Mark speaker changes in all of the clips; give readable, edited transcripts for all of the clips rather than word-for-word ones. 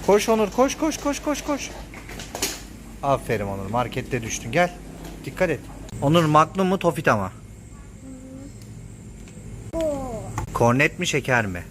Speaker 1: Koş Onur, koş koş koş koş koş. Aferin Onur, markette düştün, gel. Dikkat et. Onur, Magnum mu Tofita mı? Kornet mi şeker mi?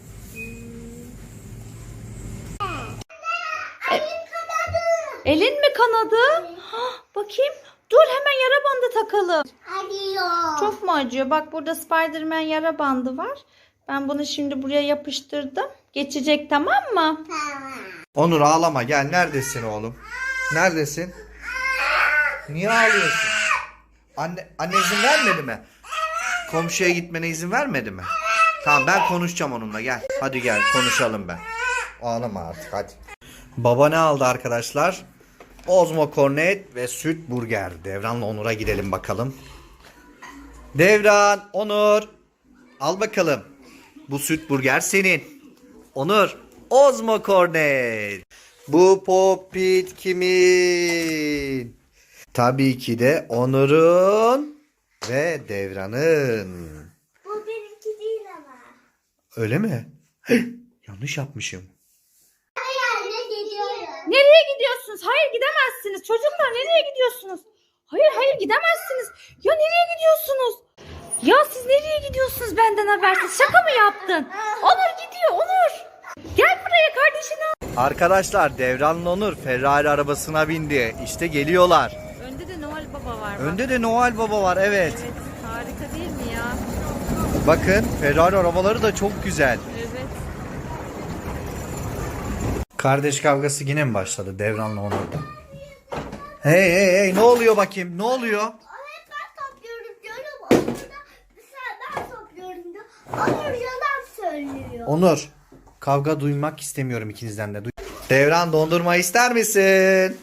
Speaker 2: Elin mi kanadı? Bakayım. Dur, hemen yara bandı takalım.
Speaker 3: Acıyor.
Speaker 2: Çok mu acıyor? Bak, burada Spiderman yara bandı var. Ben bunu şimdi buraya yapıştırdım. Geçecek, tamam mı?
Speaker 3: Tamam.
Speaker 1: Onur ağlama, gel. Neredesin oğlum? Neredesin? Niye ağlıyorsun? Anne izin vermedi mi? Komşuya gitmene izin vermedi mi? Tamam, ben konuşacağım onunla, gel. Hadi gel konuşalım ben. Ağlama artık, hadi. Baba ne aldı arkadaşlar? Ozmo Cornet ve süt burger. Devran'la Onur'a gidelim bakalım. Devran, Onur. Al bakalım. Bu süt burger senin. Onur, Ozmo Cornet. Bu popit kimin? Tabii ki de Onur'un ve Devran'ın.
Speaker 3: Bu benimki değil ama.
Speaker 1: Öyle mi? Yanlış yapmışım.
Speaker 3: Anne gidiyorum.
Speaker 2: Nereye gidiyorsunuz? Hayır, gidemezsiniz. Çocuklar, nereye gidiyorsunuz? Hayır, gidemezsiniz. Ya nereye gidiyorsunuz? Ya siz nereye gidiyorsunuz benden habersiz? Şaka mı yaptın? Onur gidiyor, Onur. Gel buraya, kardeşini al.
Speaker 1: Arkadaşlar, Devran'la Onur Ferrari arabasına bindi. İşte geliyorlar.
Speaker 2: Önde de Noel Baba var.
Speaker 1: Önde de Noel Baba var, evet.
Speaker 2: Evet, harika değil mi ya?
Speaker 1: Bakın, Ferrari arabaları da çok güzel.
Speaker 2: Evet.
Speaker 1: Kardeş kavgası yine mi başladı Devran'la Onur'da? Hey, ne oluyor bakayım? Ne oluyor?
Speaker 3: Hep ben topluyorum diyorum. Onur da dışarıdan topluyorum diyor. Onur yalan söylüyor.
Speaker 1: Onur, kavga duymak istemiyorum ikinizden de. Devran, dondurma ister misin?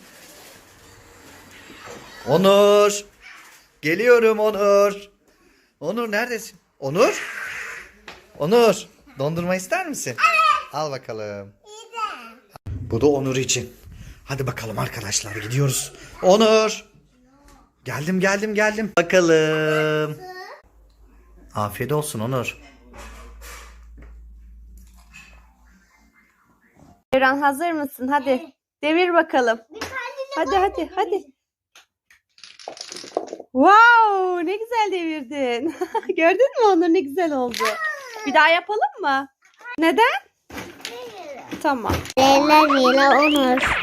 Speaker 1: Onur. Geliyorum Onur. Onur neredesin? Onur? Onur, dondurma ister misin? Al bakalım. Bu da Onur için. Hadi bakalım arkadaşlar, gidiyoruz. Onur. Geldim. Bakalım. Afiyet olsun Onur.
Speaker 2: Devran, hazır mısın? Hadi. Devir bakalım.
Speaker 3: Bir tane de
Speaker 2: Hadi. Wow, ne güzel devirdin. Gördün mü Onur, ne güzel oldu. Bir daha yapalım mı? Neden? Tamam.
Speaker 3: Leyla Onur.